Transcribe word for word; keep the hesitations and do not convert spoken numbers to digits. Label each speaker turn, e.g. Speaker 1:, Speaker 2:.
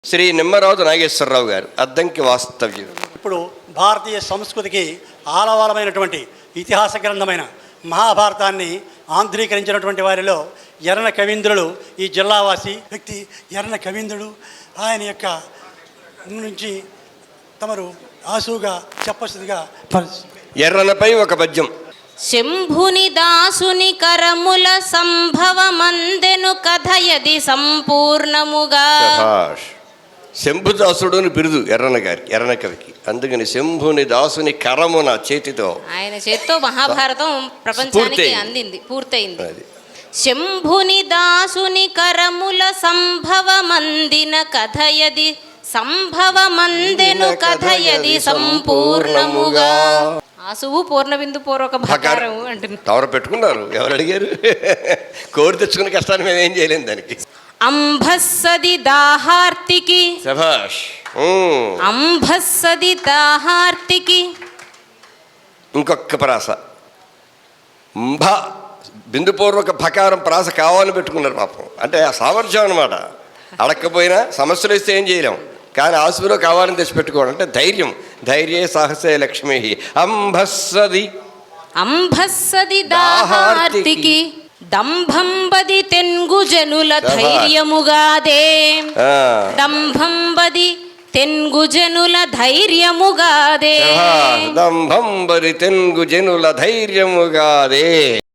Speaker 1: శ్రీ నిమ్మరాజు నాగేశ్వరరావు గారు అద్దంకి వాస్తవ్యం.
Speaker 2: ఇప్పుడు భారతీయ సంస్కృతికి ఆలవాలమైనటువంటి ఇతిహాస గ్రంథమైన మహాభారతాన్ని ఆంధ్రీకరించినటువంటి వారిలో ఎర్రన కవీంద్రుడు ఈ జిల్లావాసి వ్యక్తి. ఎర్రన కవీంద్రుడు ఆయన యొక్క నుంచి తమరు ఆసుగా చెప్పసుగా
Speaker 1: ఎర్రనపై ఒక పద్యం.
Speaker 3: శంభుని దాసుని కరముల సంభవమందెను కథయది సంపూర్ణముగా.
Speaker 1: శంభుదాసుడు అని బిరుదు ఎర్రన గారికి, ఎర్రన కవికి. అందుకని శంభుని దాసుని కరమున చేతితో,
Speaker 3: ఆయన చేతితో మహాభారతం ప్రపంచానికి అందింది, పూర్తయింది. శంభుని దాసుని కరముల సంభవమందిన కథయది సంభవమందెను కథయది సంపూర్ణముగా. ఆసువు పూర్ణబిందు పూర్వక భకారం అంటున్నారు.
Speaker 1: తవర పెట్టుకున్నారు, ఎవరు అడిగారు? కోరి తెచ్చుకునే కష్టాన్ని మేము ఏం చేయలేము దానికి.
Speaker 3: అంభస్సది దాహార్తికి,
Speaker 1: శభాష్.
Speaker 3: అంభస్సది దాహార్తికి.
Speaker 1: ఇంకొక ప్రాస అంభ బిందుపూర్వక భకారం ప్రాస కావాలని పెట్టుకున్నారు పాపం. అంటే ఆ సామర్థ్యం అనమాట. అడక్కపోయినా సమస్యలు ఇస్తే ఏం చేయలేం, కానీ ఆసులో కావాలని తెచ్చి పెట్టుకోవడం అంటే ధైర్యం. ధైర్యే సాహసే లక్ష్మీ. అంభస్సది
Speaker 3: అంభస్సది దాహార్తికి దంభంబది తెన్గు జనుల ధైర్యముగాదే. దంభంబది తెన్గు జనుల ధైర్యముగాదే.
Speaker 1: దంభంబది తెన్గు జనుల ధైర్యముగాదే.